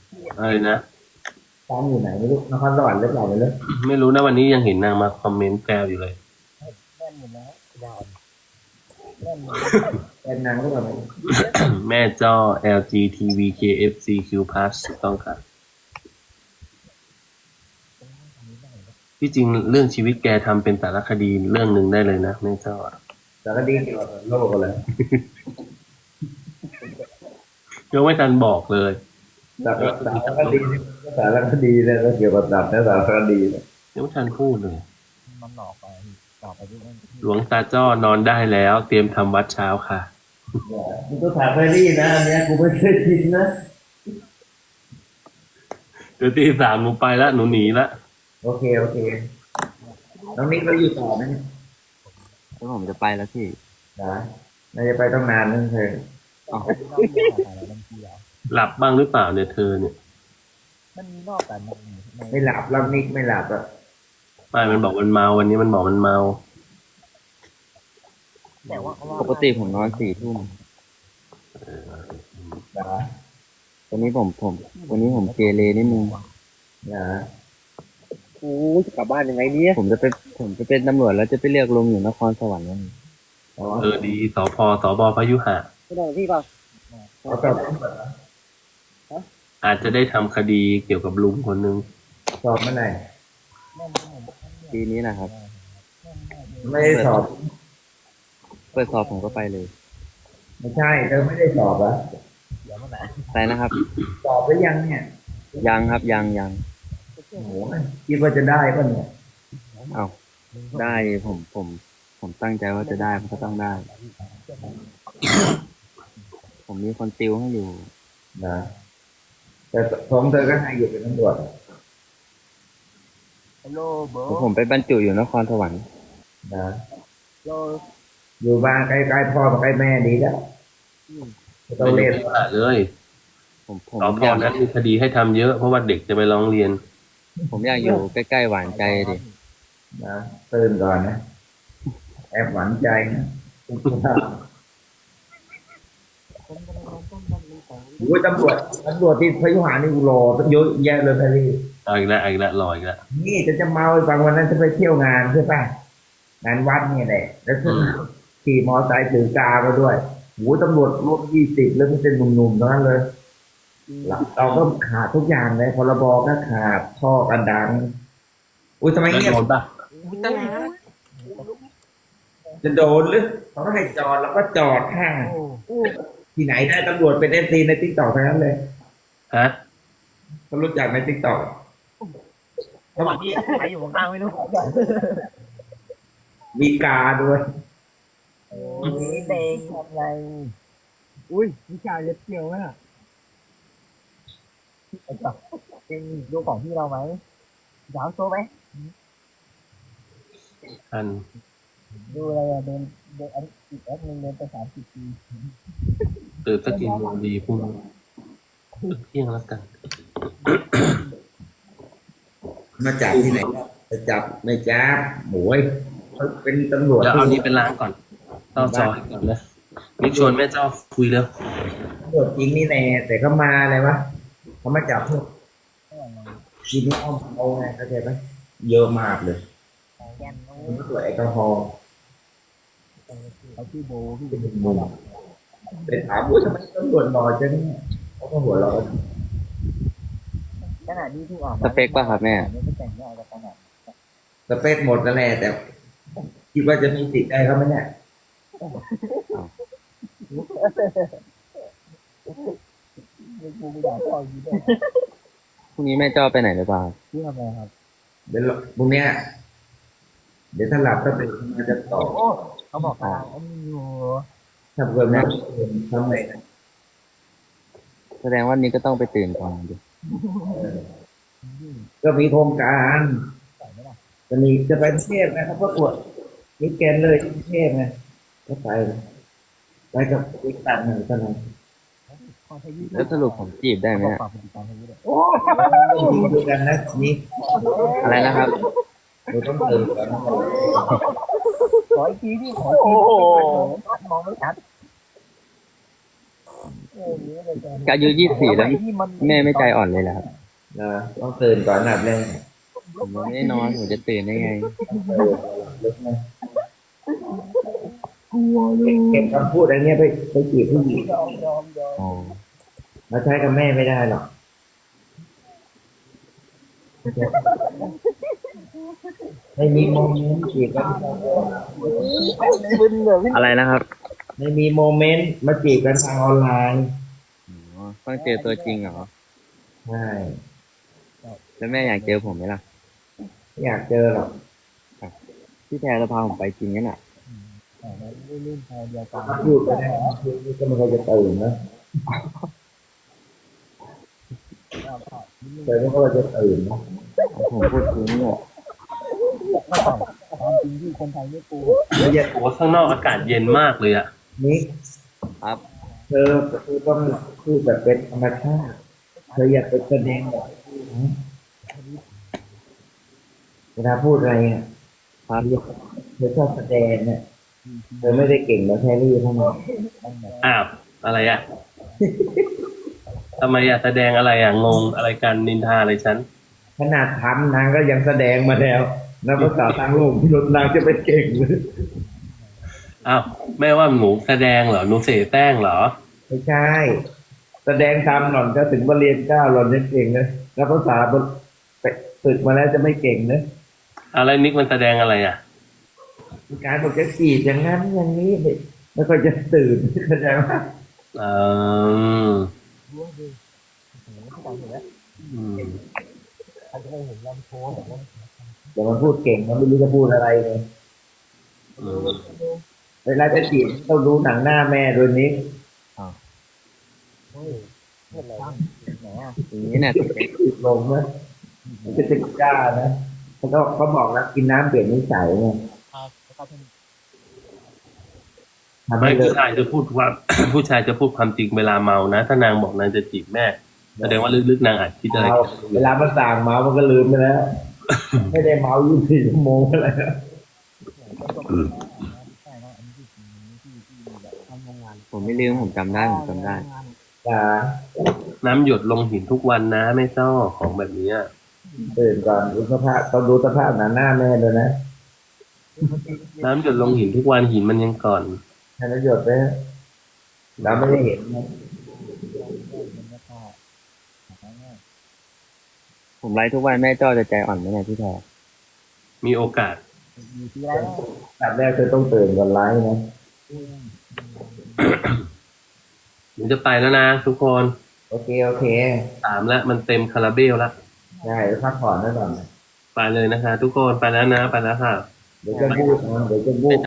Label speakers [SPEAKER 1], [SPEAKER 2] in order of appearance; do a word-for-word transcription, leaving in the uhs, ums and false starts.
[SPEAKER 1] อะไรนะ
[SPEAKER 2] ตามอยู่ไหนไม่รู้นครสวรรค์หรือเปล่าไม่รู้
[SPEAKER 1] ไม่รู้นะวันนี้ยังเห็นนางมาคอมเมนต์แซวอยู่เลย
[SPEAKER 3] แน่นหมดแล้วยาวแน่นหมดแล้ว
[SPEAKER 2] เป็นนางหรือเปล่าไม่รู้
[SPEAKER 1] แม่จ้อ แอล จี ที วี เค เอฟ ซี คิว Plus ถูกต้องครับที่จริงเรื่องชีวิตแกทำเป็นสารคดีเรื่องหนึ่งได้เลยนะแม่จ้อ
[SPEAKER 2] สารคดีเกี่ยวกับโลกอะไร
[SPEAKER 1] ยังไม่ทันบอกเลย
[SPEAKER 2] สารสารคดีนี่สารคดีเนี่ยก็เกี่ยวกับสัตว์นะสารคดีเนี่ย
[SPEAKER 1] ยังไม่ทันพูดเลย
[SPEAKER 3] มันหลอกไปหลอกไปที่นั่นที่
[SPEAKER 1] หลวงตาจ้อนอนได้แล้วเตรียมทำวัดเช้าค่ะ
[SPEAKER 2] มันก็ถามเฟรรี่นะอันเนี้ยกูไม่เคยกินนะ
[SPEAKER 1] เดี๋ยวตีสามหนูไปละหนูหนีละ
[SPEAKER 2] โอเคโอเคน้องนิกเราอยู่ต่อไหมเนี่ย
[SPEAKER 4] แล้วผมจะไปแล้วพี่
[SPEAKER 2] นะน่าจะไปต้องนานนึงเธอ
[SPEAKER 4] อ๋อ
[SPEAKER 3] มันมีนอกเรื่องอะไรบางทีแล้ว
[SPEAKER 1] หลับบ้างหรือเปล่าเนี่ยเธอเนี่ย
[SPEAKER 3] มันมีนอกแต่ในใน
[SPEAKER 2] ไม่หลับแล้วนิกไม่หลับอ่ะ
[SPEAKER 1] ไม่มันบอกมันเมาวันนี้มันบอกมันเมา
[SPEAKER 3] แต่ว่าเขาว่า
[SPEAKER 4] ปกติผมนอนสี่ทุ่ม
[SPEAKER 2] นะ
[SPEAKER 4] วันนี้ผมผมวันนี้ผมเกเรนิดนึง
[SPEAKER 2] นะ
[SPEAKER 3] โอ้จะกลับบ้านยังไงเนี่ย
[SPEAKER 4] ผมจะไปผมจะเป็นตำรวจแล้วจะไปเรียกลงอยู่นครสวรรค์นั่น
[SPEAKER 2] อ๋อ
[SPEAKER 1] เออดีสพสบพยุหะ
[SPEAKER 3] ไม่ได้พี่ป่ะ
[SPEAKER 2] เขาสอบ
[SPEAKER 1] อาจจะได้ทำคดีเกี่ยวกับลุงคนหนึ่ง
[SPEAKER 2] สอบเมื่อไหร่
[SPEAKER 4] ปีนี้นะครับ
[SPEAKER 2] ไม่ได้
[SPEAKER 4] เปิด
[SPEAKER 2] สอบ
[SPEAKER 4] เปิดสอบผมก็ไปเลย
[SPEAKER 2] ไม่ใช่เธอไม่ได้สอบเหรอ
[SPEAKER 3] เดี๋ยวเมื่อไหร่
[SPEAKER 4] ไปนะครับ
[SPEAKER 2] สอบหรือยังเนี่ย
[SPEAKER 4] ยังครับยังยัง
[SPEAKER 2] โอ้โหคิดว่าจะได้ป่ะเนี่ย
[SPEAKER 4] เอาได้ผมผมผมตั้งใจว่าจะได้มันก็ต้องได้ ผมมีคนติวให้อยู่
[SPEAKER 2] นะแต่ของเธอก็ให้อยู่เป็นตำรวจ
[SPEAKER 3] ฮัลโหลเบอ
[SPEAKER 4] ผม
[SPEAKER 3] ร์
[SPEAKER 4] ผมไปบรรจุอยู่นครสวรรค์
[SPEAKER 2] นะ
[SPEAKER 3] โล
[SPEAKER 2] อยู่บ้านใกล้ๆพ่อใกล้แม่ดีแล้วไม่ต้อง
[SPEAKER 1] ไปอยู่
[SPEAKER 2] เรียน
[SPEAKER 1] ที่ว่าเลย
[SPEAKER 4] ผมผ
[SPEAKER 1] สพ
[SPEAKER 4] มอยาก
[SPEAKER 1] นั้นมีคดีให้ทำเยอะเพราะว่าเด็กจะไปร้องเรียน
[SPEAKER 4] ผมอยากอยู่ใกล้ๆหวานใจดิ
[SPEAKER 2] นะตื่นก่อนนะแอบหวั่นใจนะโอ้ยตำรวจตำรวจที่พยุหานี่กูรอตั้งเยอะแยะเลยพี่
[SPEAKER 1] เอาอีกแล้วเอาอีกแล้วรออีกแล้ว
[SPEAKER 2] นี่จะจะเมาให้ฟังวันนั้นจะไปเที่ยวงานใช่ป่ะงานวัดเนี่ยแหละแล้วซึ่งขี่มอไซค์ถือกามาด้วยโอ้ยตำรวจรถยี่สิบแล้วมันเป็นหนุ่มๆทั้งนั้นเลย เราก็ขาดทุกอย่างเลยพรบก็ขาดท่อกันดังอุ้ยทำไม
[SPEAKER 1] แล้ว
[SPEAKER 2] เงียบ
[SPEAKER 1] โดนปะ
[SPEAKER 2] จะโดนหรือเขาให้จอดแล้วก็จอดข้างที่ไหนได้ตำรวจเป็นเอฟซีในติ๊กต็อกทั้งนั้นเลย
[SPEAKER 1] ฮะ
[SPEAKER 2] เขารู้จักในติ๊กต็อก
[SPEAKER 3] ระหว่างที่ใครอยู่ข้างไม่รู้
[SPEAKER 2] มีกาด้วย
[SPEAKER 3] โอ้ยเด้งทำไรอุ้ยมีชายเล็บเกี่ยวไหมอ่ะเป็นดูของที่เราไหมยาวโซ่ไหม
[SPEAKER 1] อัน
[SPEAKER 3] ดูอะไรอะเดินเดินอันอีกแอปหนึ่งเดินไปสามสิบปี
[SPEAKER 1] ตื่นสักกี่โมงดีพรุ่งนี้เที่ยงแล้วกัน
[SPEAKER 2] มาจับที่ไหนจะจับไม่จับหมวยเขาเป็นตำรวจ
[SPEAKER 1] เดี๋ยวเอานี้เป็นล้างก่อนต้องจอยก่อนนะนี่ชวนแม่เจ้าคุยแล้ว
[SPEAKER 2] ตำรวจจริงนี่แน่แต่เขามาอะไรวะเขามาจับพวกกินเหล้าเมาไงเข้าใจไหมเยอะมากเลยมันตรวจแอลกอฮอล์
[SPEAKER 3] เขาชื่อโบพี่
[SPEAKER 2] เป็นมุมไปถามว่าทำไมตำรวจหล่อจังเขาก็หัวเราะ
[SPEAKER 3] ขนาดนี้ที่ออก
[SPEAKER 4] สเปคป่ะครับแม่
[SPEAKER 3] ไม่แต่งงานกับขนาด
[SPEAKER 2] สเปคหมดนั่นแหละแต่คิดว่าจะมีสิทธิ์ได้เขาไหมเนี่ย
[SPEAKER 4] พรุ่งนี้แม่จ้อไปไหนหรือเปล่า
[SPEAKER 3] ที่ทำไมครับ
[SPEAKER 2] เดี๋ยวพรุ่งนี้เดี๋ยวถ้าหลับก็ตื่นมาจะต่อ
[SPEAKER 3] เขาบอกว่าอันนี้อยู่
[SPEAKER 2] ถ้าเกิดไม่ทำไง
[SPEAKER 4] แสดงว่านี้ก็ต้องไปตื่นก่อนดิ
[SPEAKER 2] ก็มีโครงการจะมีจะไปเทพนะครับประกวดมิสแกรนด์เลยที่เทพไงก็ไปไปกับอีกตันหนึ่งเท่านั้น
[SPEAKER 4] แล้วสรุปผมจีบได้ไหม
[SPEAKER 2] โอ้ดูกันนะนี่
[SPEAKER 4] อะไรนะครับ
[SPEAKER 2] เราต้องตื่นกัน
[SPEAKER 3] ขออีกทีที่ขออีกทีมองไม่ชัด
[SPEAKER 4] อายุยี่สิบสี่แล้วแม่ไม่ใจอ่อนเลยเหรอครับ
[SPEAKER 2] นะต้องตื่นก่อนอันดับแรก
[SPEAKER 4] ผมยังไม่ได้นอนผมจะตื่นได้ไง
[SPEAKER 2] ลึกนะเก็บคำพูดอะไรเงี้ยไปไปจีบผู้หญิง
[SPEAKER 4] อ๋อ
[SPEAKER 2] มาใช้กับแม่ไม่ได้หรอกไม่มีโมเมนต์จีบกัน
[SPEAKER 3] มึนเลย
[SPEAKER 4] อะไรนะครับ
[SPEAKER 2] ไม่มีโมเมนต์มาจีบกันทางออนไลน์
[SPEAKER 4] อ๋อต้องเจอตัวจริงเหรอ
[SPEAKER 2] ใช่
[SPEAKER 4] แล้วแม่อยากเจอผมไหมล่ะ
[SPEAKER 2] ไม่อยากเจอหรอก
[SPEAKER 4] พี่แพรจะพาผมไปจริงนั่นอ่ะ
[SPEAKER 2] ถ้าพูดไปได้คือก็ไม่ค่อยจะตื่นนะแต่ไม่ค่อยจะตื่นนะ
[SPEAKER 4] ผมพูดจริงเนี่ย
[SPEAKER 3] ความจริงที่คนไทยไม่กลัว
[SPEAKER 2] แล้วอย่า
[SPEAKER 1] โอ้ข้างนอกอากาศเย็นมากเลยอะ
[SPEAKER 2] นิก
[SPEAKER 4] ครับ
[SPEAKER 2] เธอเธอต้องพูดแบบเป็นธรรมชาติเธออย่าไปแสดงแบบเวลาพูดอะไรเนี่ย
[SPEAKER 4] ครับ
[SPEAKER 2] เธอชอบแสดงเนี่ยเธอไม่ได้เก่งแบบแครี่เท่านั้น
[SPEAKER 1] อ้าวอะไรอะทำไมอะแสดงอะไรอะงงอะไรกันนินทาอะไรฉัน
[SPEAKER 2] ขนาดทำนางก็ยังแสดงมาแล้วนักภาษาทางโลกที่รถนางจะไปเก่งเลย
[SPEAKER 1] อ้าวแม่ว่าหนูแสดงเหรอหนูเสแสร้งเหรอ
[SPEAKER 2] ไม่ใช่ แสดงทำหล่อนก็ถึงบรเรียนเก้าหล่อนยังเก่งนะนักภาษาบนไปฝึกมาแล้วจะไม่เก่งนะ
[SPEAKER 1] อะไรนิกมันแสดงอะไรอะ
[SPEAKER 2] การบอกจะจีบอย่างนั้นอย่างนี้ไม่ไม่ค่อยจะตื่นเข้าใจไหม
[SPEAKER 1] อืมอืม
[SPEAKER 3] ใครจะไม่เห็นลำโพงแบบนั้น
[SPEAKER 2] แต่มันพูดเก่งมันไม่รู้จะพูดอะไรเลย
[SPEAKER 1] อืม
[SPEAKER 2] เวลาจะจีบต้องดูหนังหน้าแม่โดยนี้
[SPEAKER 3] เฮ้ยเมื่อไหร่ไหนอ่ะ
[SPEAKER 4] อย่างนี้เนี่ย
[SPEAKER 2] ติดลงนะมันจะติดกล้านะเขาก็เขาบอกแล้วกินน้ำเปลี่ยนนิสัยไง
[SPEAKER 3] ครับครับ
[SPEAKER 2] ทำ
[SPEAKER 1] ไม่
[SPEAKER 2] ให้เลิ
[SPEAKER 1] ผู้
[SPEAKER 2] ก
[SPEAKER 1] ชายจะพูดว่า ผู้ชายจะพูดความจริงเวลาเมานะ ถ้านางบอกนางจะจีบแม่แสดงว่าลึกๆนางอาจคิดอะไร
[SPEAKER 2] เอาเวลามันสั่งเมามันก็ลืมไปแล้ว ไม่ได้เมายี่สิบสี่ชั่วโมงอะไรนะ
[SPEAKER 3] ใช่ครับอันนี้ที่ที่ที่แบบทำโรงงาน
[SPEAKER 4] ผมไม่ลืมผมจำได้ผมจำได้
[SPEAKER 2] จ้า
[SPEAKER 1] น้ำหยดลงหินทุกวันนะไม่ชอบของแบบนี้อะ
[SPEAKER 2] ตื่นก่อนดูสภาพต้องดูสภาพหน้าหน้าแม่ด้วยนะ
[SPEAKER 1] น้ำหยดลงหินทุกวันหินมันยังก่อน
[SPEAKER 2] ให้ประโยชน์ไปเราไม่ได้เห็นนะ
[SPEAKER 4] ผมไลฟ์ทุกวันแม่จ้อจะใจอ่อนไหมเนี่ยพี่แพร
[SPEAKER 1] มีโอกาส
[SPEAKER 3] อยู่ที่ไร
[SPEAKER 2] ตัดแรกเธอต้องตื่นก่อนไลฟ์นะ
[SPEAKER 1] หนูจะไปแล้วนะทุกคน
[SPEAKER 2] โอเคโอเค
[SPEAKER 1] สามแล้วมันเต็มคาราเบลแล้ว
[SPEAKER 2] ได้พักผ่อนไว้ก่อน
[SPEAKER 1] ไปเลยนะคะ ทุกคนไปแล้วนะไปแล้วค่ะ
[SPEAKER 2] เดี๋ยวจะพูดนะเดี๋ยวจะพูด